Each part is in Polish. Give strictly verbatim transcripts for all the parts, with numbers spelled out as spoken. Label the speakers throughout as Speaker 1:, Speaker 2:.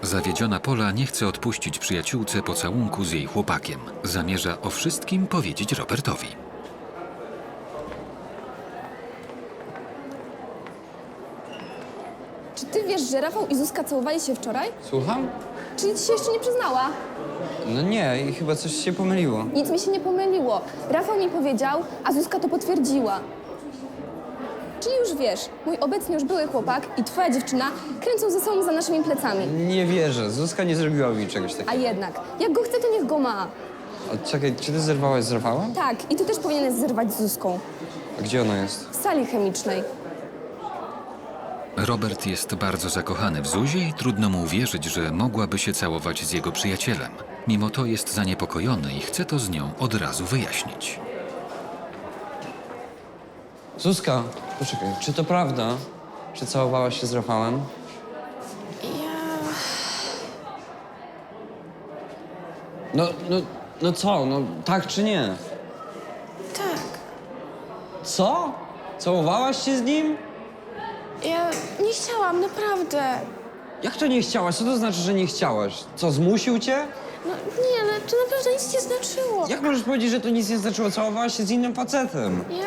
Speaker 1: Zawiedziona Pola nie chce odpuścić przyjaciółce pocałunku z jej chłopakiem. Zamierza o wszystkim powiedzieć Robertowi.
Speaker 2: Czy ty wiesz, że Rafał i Zuzka całowali się wczoraj?
Speaker 3: Słucham?
Speaker 2: Czyli ci się jeszcze nie przyznała?
Speaker 3: No nie, i chyba coś się pomyliło.
Speaker 2: Nic mi się nie pomyliło. Rafał mi powiedział, a Zuzka to potwierdziła. Czyli już wiesz, mój obecnie już były chłopak i twoja dziewczyna kręcą ze sobą za naszymi plecami.
Speaker 3: Nie wierzę, Zuzka nie zrobiła mi czegoś
Speaker 2: A
Speaker 3: takiego.
Speaker 2: jednak, jak go chce, to niech go ma.
Speaker 3: A czekaj, czy ty zerwałaś z Rafałem?
Speaker 2: Tak, i ty też powinieneś zerwać z Zuzką.
Speaker 3: A gdzie ona jest?
Speaker 2: W sali chemicznej.
Speaker 1: Robert jest bardzo zakochany w Zuzie i trudno mu uwierzyć, że mogłaby się całować z jego przyjacielem. Mimo to jest zaniepokojony i chce to z nią od razu wyjaśnić.
Speaker 3: Zuzka, poczekaj, czy to prawda, że całowałaś się z Rafałem?
Speaker 4: Ja...
Speaker 3: No, no, no co, no tak czy nie?
Speaker 4: tak.
Speaker 3: Co? Całowałaś się z nim?
Speaker 4: Ja nie chciałam, naprawdę.
Speaker 3: Jak to nie chciałaś? Co to znaczy, że nie chciałaś? Co, zmusił cię?
Speaker 4: No nie, ale to naprawdę nic nie znaczyło.
Speaker 3: Jak możesz powiedzieć, że to nic nie znaczyło? Całowałaś się z innym facetem.
Speaker 4: Ja...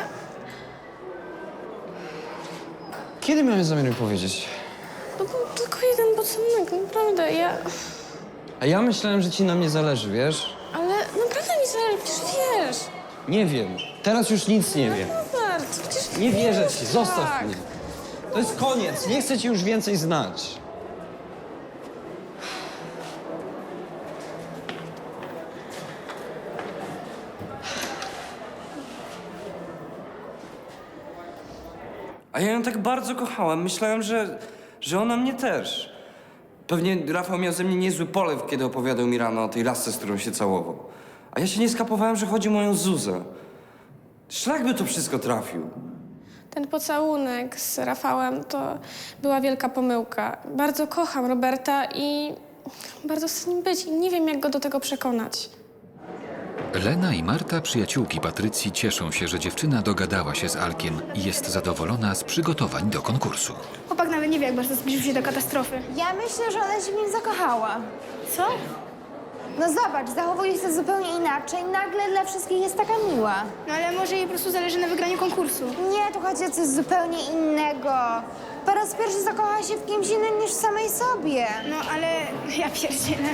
Speaker 3: Kiedy miałeś zamiar mi powiedzieć?
Speaker 4: No był tylko jeden pocałunek, naprawdę, ja...
Speaker 3: A ja myślałem, że ci na mnie zależy, wiesz?
Speaker 4: Ale naprawdę mi zależy, przecież wiesz.
Speaker 3: Nie wiem. Teraz już nic nie wiem.
Speaker 4: Robert, przecież
Speaker 3: Nie wierzę
Speaker 4: wiesz,
Speaker 3: ci, zostaw
Speaker 4: tak.
Speaker 3: mnie. To jest koniec, nie chcę cię już więcej znać.
Speaker 5: A ja ją tak bardzo kochałem. Myślałem, że, że ona mnie też. Pewnie Rafał miał ze mnie niezły polew, kiedy opowiadał mi rano o tej lasce, z którą się całował. A ja się nie skapowałem, że chodzi o moją Zuzę. Szlak by to wszystko trafił.
Speaker 4: Ten pocałunek z Rafałem to była wielka pomyłka. Bardzo kocham Roberta i bardzo chcę z nim być i nie wiem, jak go do tego przekonać.
Speaker 1: Lena i Marta, przyjaciółki Patrycji, cieszą się, że dziewczyna dogadała się z Alkiem i jest zadowolona z przygotowań do konkursu.
Speaker 6: Chłopak nawet nie wie, jak bardzo zbliżył się do katastrofy.
Speaker 7: Ja myślę, że ona się w nim zakochała.
Speaker 6: Co?
Speaker 7: No zobacz, zachowuje się zupełnie inaczej. Nagle dla wszystkich jest taka miła.
Speaker 6: No ale może jej po prostu zależy na wygraniu konkursu.
Speaker 7: Nie, tu chodzi o coś zupełnie innego. Po raz pierwszy zakochała się w kimś innym niż w samej sobie.
Speaker 6: No ale ja pierdzielę.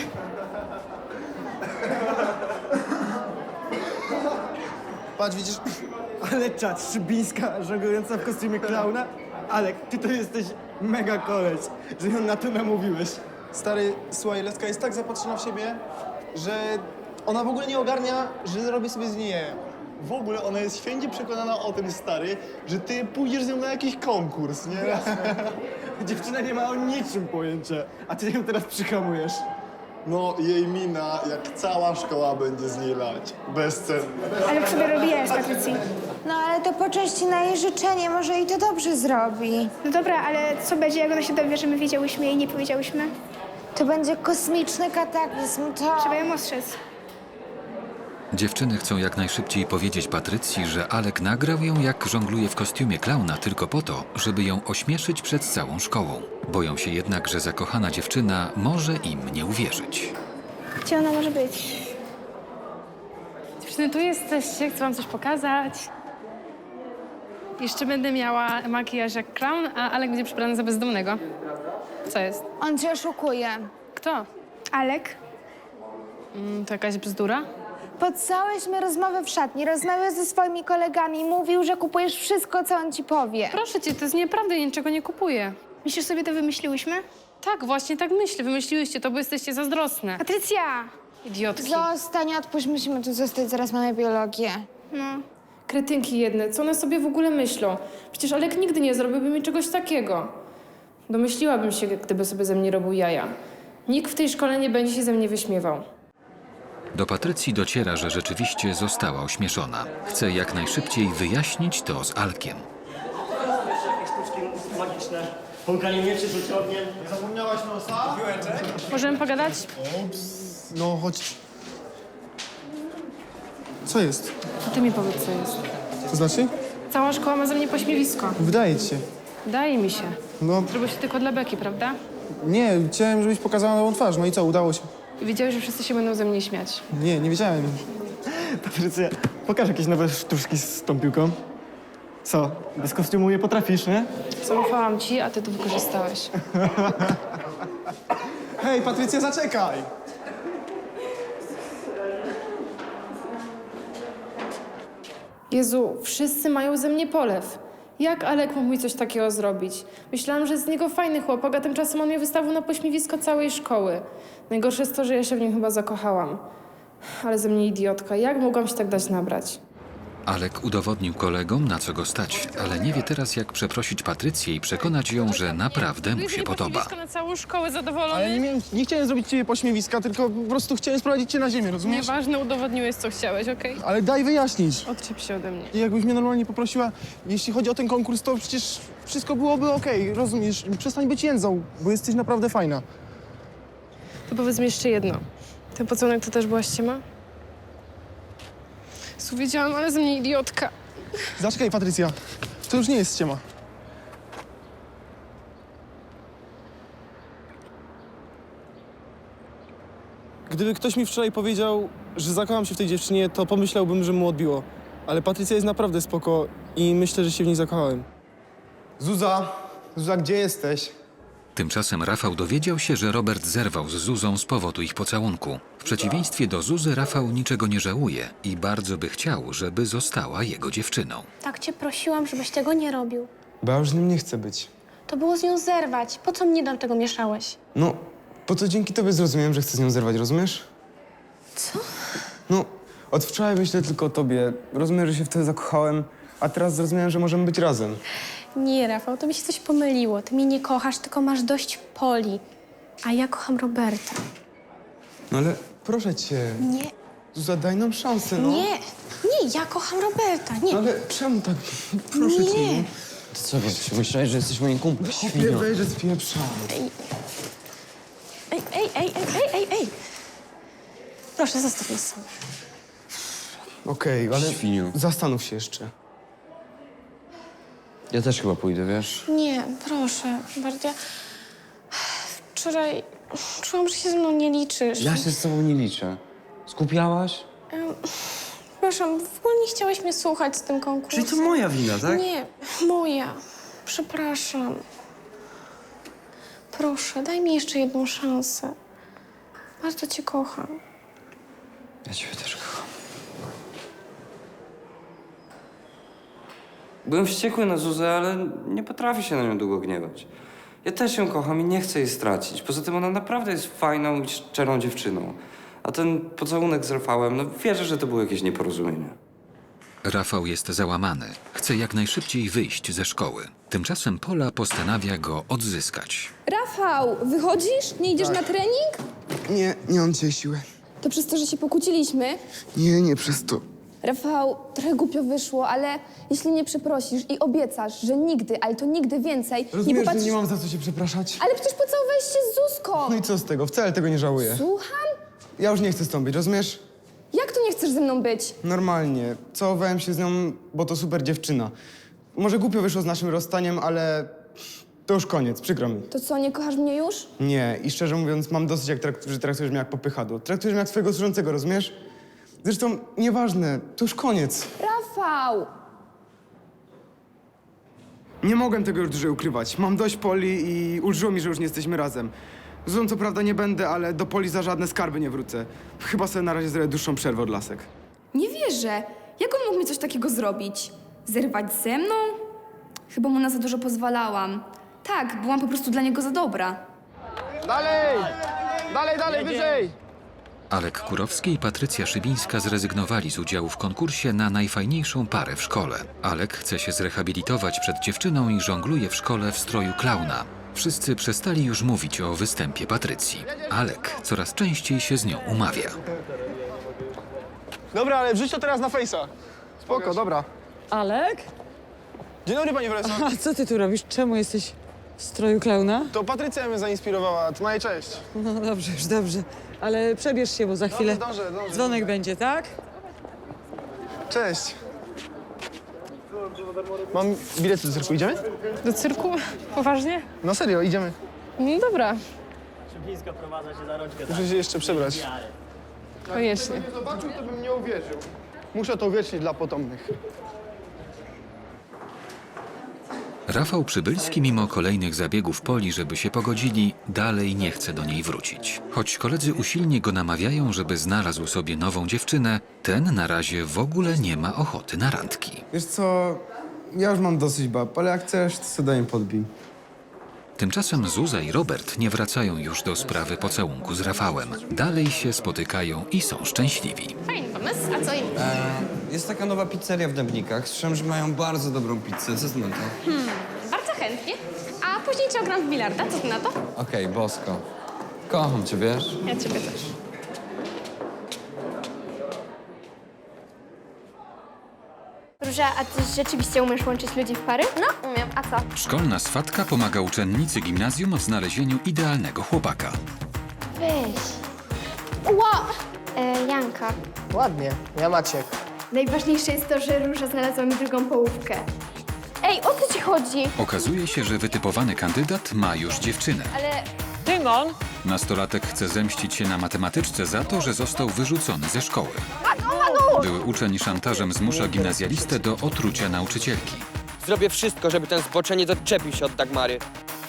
Speaker 8: Patrz, widzisz? Ale czad, Szybińska żonglująca w kostiumie klauna? Alek, ty to jesteś mega koleś, że ją na to namówiłeś. Stary, słuchaj, Leska jest tak zapatrzona w siebie, że ona w ogóle nie ogarnia, że robię sobie z niej jaja. W ogóle ona jest święcie przekonana o tym, stary, że ty pójdziesz z nią na jakiś konkurs, nie? Dziewczyna nie ma o niczym pojęcia, a ty ją teraz przyhamujesz. No, jej mina, jak cała szkoła będzie z niej lać. Bezcenna.
Speaker 6: Ale w sobie robi jaja z Patrycji.
Speaker 7: No ale to po części na jej życzenie, może jej to dobrze zrobi.
Speaker 6: No dobra, ale co będzie, jak ona się dowie, że my wiedziałyśmy i nie powiedziałyśmy?
Speaker 7: To będzie kosmiczny kataklizm, to...
Speaker 6: Trzeba ją ostrzec.
Speaker 1: Dziewczyny chcą jak najszybciej powiedzieć Patrycji, że Alek nagrał ją, jak żongluje w kostiumie klauna tylko po to, żeby ją ośmieszyć przed całą szkołą. Boją się jednak, że zakochana dziewczyna może im nie uwierzyć.
Speaker 6: Gdzie ona może być?
Speaker 9: Dziewczyny, tu jesteście, chcę wam coś pokazać. Jeszcze będę miała makijaż jak clown, a Alek będzie przebrany za bezdomnego. Co jest?
Speaker 7: On cię oszukuje.
Speaker 9: Kto?
Speaker 6: Alek?
Speaker 9: Mm, to jakaś bzdura?
Speaker 7: Podcałyśmy rozmowę w szatni, rozmawiał ze swoimi kolegami, mówił, że kupujesz wszystko, co on ci powie.
Speaker 9: Proszę cię, to jest nieprawda, ja niczego nie kupuję.
Speaker 6: Myślisz, sobie to wymyśliłyśmy?
Speaker 9: Tak, właśnie tak myślę. Wymyśliłyście to, bo jesteście zazdrosne.
Speaker 6: Patrycja!
Speaker 9: Idiotki.
Speaker 7: Zostań, odpuść, musimy tu zostać, zaraz mamy biologię.
Speaker 6: No.
Speaker 9: Kretynki jedne, co one sobie w ogóle myślą? Przecież Alek nigdy nie zrobiłby mi czegoś takiego. Domyśliłabym się, gdyby sobie ze mnie robił jaja. Nikt w tej szkole nie będzie się ze mnie wyśmiewał.
Speaker 1: Do Patrycji dociera, że rzeczywiście została ośmieszona. Chce jak najszybciej wyjaśnić to z Alkiem.
Speaker 10: Jakieś sztuczki magiczne, pąkanie mieczy, rzucie ogniem.
Speaker 8: Nie zapomniałaś nosa?
Speaker 9: Możemy pogadać?
Speaker 8: Ups, no chodź. Co jest?
Speaker 9: A ty mi powiedz, co jest.
Speaker 8: To znaczy?
Speaker 9: Cała szkoła ma ze mnie pośmiewisko.
Speaker 8: Wydaje ci się.
Speaker 9: Daje mi się.
Speaker 8: No,
Speaker 9: Zrobiło się tylko dla beki, prawda?
Speaker 8: Nie, chciałem, żebyś pokazała nową twarz. No i co, udało się?
Speaker 9: I wiedziałeś, że wszyscy się będą ze mnie śmiać.
Speaker 8: Nie, nie wiedziałem. Patrycja, pokaż jakieś nowe sztuczki z tą piłką. Co, bez kostiumu nie potrafisz, nie?
Speaker 9: Zaufałam ci, a ty to wykorzystałeś.
Speaker 8: Hej, Patrycja, zaczekaj!
Speaker 9: Jezu, wszyscy mają ze mnie polew. Jak Alek mógł mi coś takiego zrobić? Myślałam, że z niego fajny chłopak, a tymczasem on mnie wystawił na pośmiewisko całej szkoły. Najgorsze jest to, że ja się w nim chyba zakochałam. Ale ze mnie idiotka. Jak mogłam się tak dać nabrać?
Speaker 1: Alek udowodnił kolegom, na co go stać, ale nie wie teraz, jak przeprosić Patrycję i przekonać ją, że naprawdę mu się podoba.
Speaker 9: na całą szkołę zadowolony.
Speaker 8: Ale nie, miałem, nie chciałem zrobić ciebie pośmiewiska, tylko po prostu chciałem sprowadzić cię na ziemię, rozumiesz?
Speaker 9: Nieważne, udowodniłeś, co chciałeś, okej?
Speaker 8: Ale daj wyjaśnić.
Speaker 9: Odczep się ode mnie.
Speaker 8: I jakbyś mnie normalnie poprosiła, jeśli chodzi o ten konkurs, to przecież wszystko byłoby okej, rozumiesz? Przestań być jędzą, bo jesteś naprawdę fajna.
Speaker 9: To powiedz mi jeszcze jedno. Ten pocałunek to też była ściema? Su, wiedziałam, ale ze mnie idiotka.
Speaker 8: Zaczekaj, Patrycja. To już nie jest ściema. Gdyby ktoś mi wczoraj powiedział, że zakocham się w tej dziewczynie, to pomyślałbym, że mu odbiło. Ale Patrycja jest naprawdę spoko i myślę, że się w niej zakochałem. Zuza! Zuza, gdzie jesteś?
Speaker 1: Tymczasem Rafał dowiedział się, że Robert zerwał z Zuzą z powodu ich pocałunku. W przeciwieństwie do Zuzy, Rafał niczego nie żałuje i bardzo by chciał, żeby została jego dziewczyną.
Speaker 4: Tak cię prosiłam, żebyś tego nie robił.
Speaker 5: Bo ja już z nim nie chcę być.
Speaker 4: To było z nią zerwać. Po co mnie do tego mieszałeś?
Speaker 5: No, po co dzięki tobie zrozumiałem, że chcę z nią zerwać, rozumiesz?
Speaker 4: Co?
Speaker 5: No, od wczoraj myślę tylko o tobie. Rozumiem, że się wtedy zakochałem, a teraz zrozumiałem, że możemy być razem.
Speaker 4: Nie, Rafał, to mi się coś pomyliło. Ty mnie nie kochasz, tylko masz dość Poli. A ja kocham Roberta.
Speaker 5: No ale proszę cię,
Speaker 4: Nie,
Speaker 5: Zuza, daj nam szansę, no.
Speaker 4: nie, nie, ja kocham Roberta, nie.
Speaker 5: No ale czemu tak? Proszę cię,
Speaker 4: Nie.
Speaker 5: no.
Speaker 3: Ty co wiesz? Myślałeś, że jesteś moim kumplem?
Speaker 5: Nie wejrze z pieprza.
Speaker 4: Ej, ej, ej, ej, ej, ej, ej. Proszę, zostaw nas sam.
Speaker 5: Okej, ale
Speaker 3: Świniu.
Speaker 5: zastanów się jeszcze.
Speaker 3: Ja też chyba pójdę, wiesz?
Speaker 4: Nie, proszę, Bardia. Wczoraj czułam, że się ze mną nie liczysz.
Speaker 3: Ja się z tobą nie liczę. Skupiałaś?
Speaker 4: Em, Przepraszam, w ogóle nie chciałeś mnie słuchać z tym konkursem.
Speaker 5: Czyli to moja wina, tak?
Speaker 4: Nie, moja. Przepraszam. Proszę, daj mi jeszcze jedną szansę. Bardzo cię kocham.
Speaker 3: Ja ciebie też kocham.
Speaker 5: Byłem wściekły na Zuzę, ale nie potrafię się na nią długo gniewać. Ja też ją kocham i nie chcę jej stracić. Poza tym ona naprawdę jest fajną i szczerą dziewczyną. A ten pocałunek z Rafałem, no wierzę, że to było jakieś nieporozumienie.
Speaker 1: Rafał jest załamany. Chce jak najszybciej wyjść ze szkoły. Tymczasem Pola postanawia go odzyskać.
Speaker 2: Rafał, wychodzisz? Nie idziesz na trening?
Speaker 5: Nie, nie mam dzisiaj siły.
Speaker 2: To przez to, że się pokłóciliśmy?
Speaker 5: Nie, nie przez to.
Speaker 2: Rafał, trochę głupio wyszło, ale jeśli nie przeprosisz i obiecasz, że nigdy, ale to nigdy więcej nie
Speaker 8: Rozumiesz,
Speaker 2: popatrzysz...
Speaker 8: że nie mam za co się przepraszać?
Speaker 2: Ale przecież pocałowałeś się z Zuzką!
Speaker 8: No i co z tego? Wcale tego nie żałuję.
Speaker 2: Słucham?
Speaker 8: Ja już nie chcę z tą być, rozumiesz?
Speaker 2: Jak to nie chcesz ze mną być?
Speaker 8: Normalnie. Całowałem się z nią, bo to super dziewczyna. Może głupio wyszło z naszym rozstaniem, ale to już koniec, przykro mi.
Speaker 2: To co, nie kochasz mnie już?
Speaker 8: Nie, i szczerze mówiąc, mam dosyć, jak trakt- że traktujesz mnie jak popychadło. Traktujesz mnie jak swojego służącego, rozumiesz? Zresztą nieważne, to już koniec.
Speaker 2: Rafał!
Speaker 8: Nie mogłem tego już dłużej ukrywać. Mam dość Poli i ulżyło mi, że już nie jesteśmy razem. Złą co prawda nie będę, ale do Poli za żadne skarby nie wrócę. Chyba sobie na razie zrobię dłuższą przerwę od lasek.
Speaker 2: Nie wierzę. Jak on mógł mi coś takiego zrobić? Zerwać ze mną? Chyba mu na za dużo pozwalałam. Tak, byłam po prostu dla niego za dobra.
Speaker 8: Dalej! Dalej, dalej, wyżej!
Speaker 1: Alek Kurowski i Patrycja Szybińska zrezygnowali z udziału w konkursie na najfajniejszą parę w szkole. Alek chce się zrehabilitować przed dziewczyną i żongluje w szkole w stroju klauna. Wszyscy przestali już mówić o występie Patrycji. Alek coraz częściej się z nią umawia.
Speaker 8: Dobra, ale wrzuć to teraz na fejsa. Spoko, dobra.
Speaker 11: Alek?
Speaker 8: Dzień dobry, panie profesor.
Speaker 11: A co ty tu robisz? Czemu jesteś w stroju klauna?
Speaker 8: To Patrycja mnie zainspirowała, to na jej cześć.
Speaker 11: No dobrze, już dobrze. Ale przebierz się, bo za chwilę
Speaker 8: zdążę, zdążę.
Speaker 11: dzwonek będzie, tak?
Speaker 8: Cześć. Mam bilet do cyrku, idziemy?
Speaker 9: Do cyrku? Poważnie?
Speaker 8: No serio, idziemy.
Speaker 9: No dobra,
Speaker 10: Szybińska prowadza się za rączkę.
Speaker 8: Muszę się jeszcze przebrać.
Speaker 9: koniecznie.
Speaker 8: Gdybym zobaczył, to bym nie uwierzył. Muszę to uwiecznić dla potomnych.
Speaker 1: Rafał Przybylski, mimo kolejnych zabiegów Poli, żeby się pogodzili, dalej nie chce do niej wrócić. Choć koledzy usilnie go namawiają, żeby znalazł sobie nową dziewczynę, ten na razie w ogóle nie ma ochoty na randki.
Speaker 8: Wiesz co, ja już mam dosyć bab, ale jak chcesz, to sobie daj im podbij.
Speaker 1: Tymczasem Zuza i Robert nie wracają już do sprawy pocałunku z Rafałem. Dalej się spotykają i są szczęśliwi.
Speaker 4: Fajny pomysł, a co im?
Speaker 5: Jest taka nowa pizzeria w Dębnikach. Słyszałem, że mają bardzo dobrą pizzę. Co ty na to?
Speaker 4: Bardzo chętnie. A później cię ogram w bilarda, co ty na to?
Speaker 5: Okej, bosko. Kocham cię, wiesz?
Speaker 4: Ja ciebie też.
Speaker 6: Róża, a ty rzeczywiście umiesz łączyć ludzi w pary?
Speaker 4: No, umiem. A co?
Speaker 1: Szkolna swatka pomaga uczennicy gimnazjum w znalezieniu idealnego chłopaka.
Speaker 6: Weź. Ła! E, Janka.
Speaker 11: Ładnie, ja Maciek.
Speaker 6: Najważniejsze jest to, że Róża znalazła mi drugą połówkę. Ej, o co ci chodzi?
Speaker 1: Okazuje się, że wytypowany kandydat ma już dziewczynę.
Speaker 6: Ale
Speaker 10: Tymon!
Speaker 1: Nastolatek chce zemścić się na matematyczce za to, że został wyrzucony ze szkoły. Były uczeń szantażem zmusza gimnazjalistę do otrucia nauczycielki.
Speaker 12: Zrobię wszystko, żeby ten zboczeniec odczepił się od Dagmary.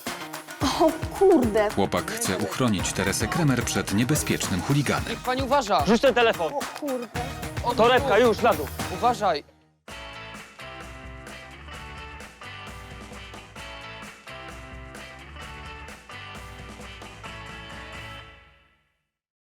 Speaker 1: Chłopak chce uchronić Teresę Kremer przed niebezpiecznym chuliganem.
Speaker 12: Pani uważa!
Speaker 10: Rzuć ten telefon!
Speaker 6: kurde.
Speaker 12: O,
Speaker 10: Torebka, już, na dół.
Speaker 12: Uważaj!